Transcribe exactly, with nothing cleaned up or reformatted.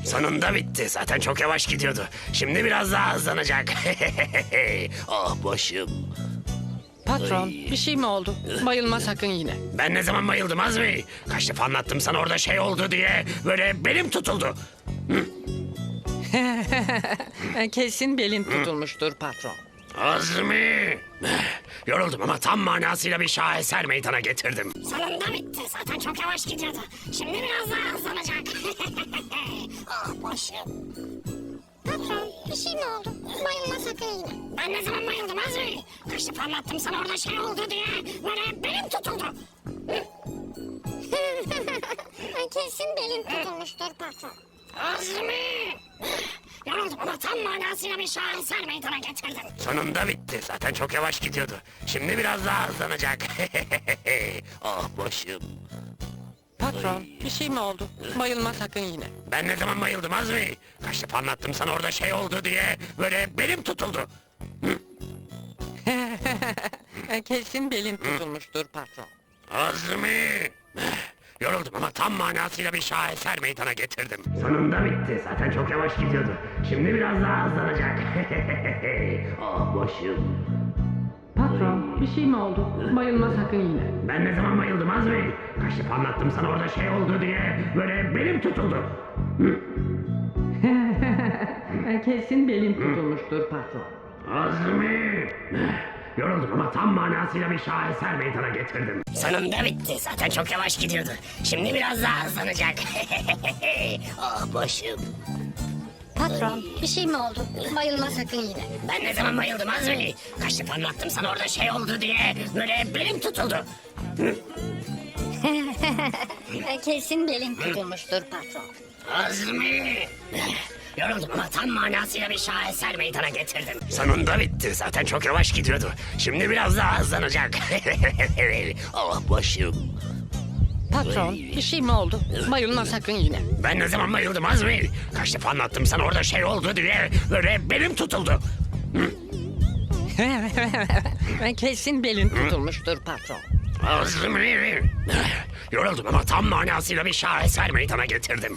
Sonunda bitti. Zaten çok yavaş gidiyordu. Şimdi biraz daha hızlanacak. Oh başım. Patron, bir şey mi oldu? Bayılma sakın yine. Ben ne zaman bayıldım Azmi? Kaç defa anlattım sana orada şey oldu diye. Böyle belim tutuldu. Kesin belin tutulmuştur patron. Azmi. Yoruldum ama tam manasıyla bir şaheser meydana getirdim. Sonunda bitti. Zaten çok yavaş gidiyordu. Şimdi biraz daha hızlanacak. Ah başım. Patron bir şey mi oldu? Bayılma sakın yine. Ben ne zaman bayıldım Azmi? Kaç defa anlattım sana orada şey oldu diye. Böyle belim tutuldu. Kesin belin tutulmuştur patron. Azmi. Yoruldum ama tam manasıyla bir şaheser meydana getirdim. Sonunda bitti. Zaten çok yavaş gidiyordu. Şimdi biraz daha hızlanacak. Oh başım. Patron, bir şey mi oldu? Bayılma sakın yine. Ben ne zaman bayıldım Azmi? Kaç defa anlattım sana orada şey oldu diye. Böyle belim tutuldu. Kesin belin tutulmuştur patron. Azmi. Yoruldum ama tam manasıyla bir şaheser meydana getirdim. Sonunda bitti. Zaten çok yavaş gidiyordu. Şimdi biraz daha hızlanacak. Oh başım. Patron, bir şey mi oldu? Bayılma sakın yine. Ben ne zaman bayıldım Azmi? Kaç defa anlattım sana orada şey oldu diye. Böyle belim tutuldu. Kesin belin tutulmuştur patron. Azmi. Yoruldum ama tam manasıyla bir şaheser meydana getirdim. Sonunda bitti. Zaten çok yavaş gidiyordu. Şimdi biraz daha hızlanacak. Ah başım. Patron, bir şey mi oldu? Bayılma sakın yine. Ben ne zaman bayıldım Azmi? Kaç defa anlattım sana orada şey oldu diye. Böyle belim tutuldu. Kesin belin tutulmuştur patron. Azmi. Yoruldum ama tam manasıyla bir şaheser meydana getirdim. Sonunda bitti. Zaten çok yavaş gidiyordu. Şimdi biraz daha hızlanacak. Oh başım. Patron, bir şey mi oldu? Bayılma sakın yine. Ben ne zaman bayıldım Azmi? Kaç defa anlattım sana orada şey oldu diye. Böyle belim tutuldu. Kesin belin tutulmuştur patron. Azmi. Yoruldum ama tam manasıyla bir şaheser meydana getirdim.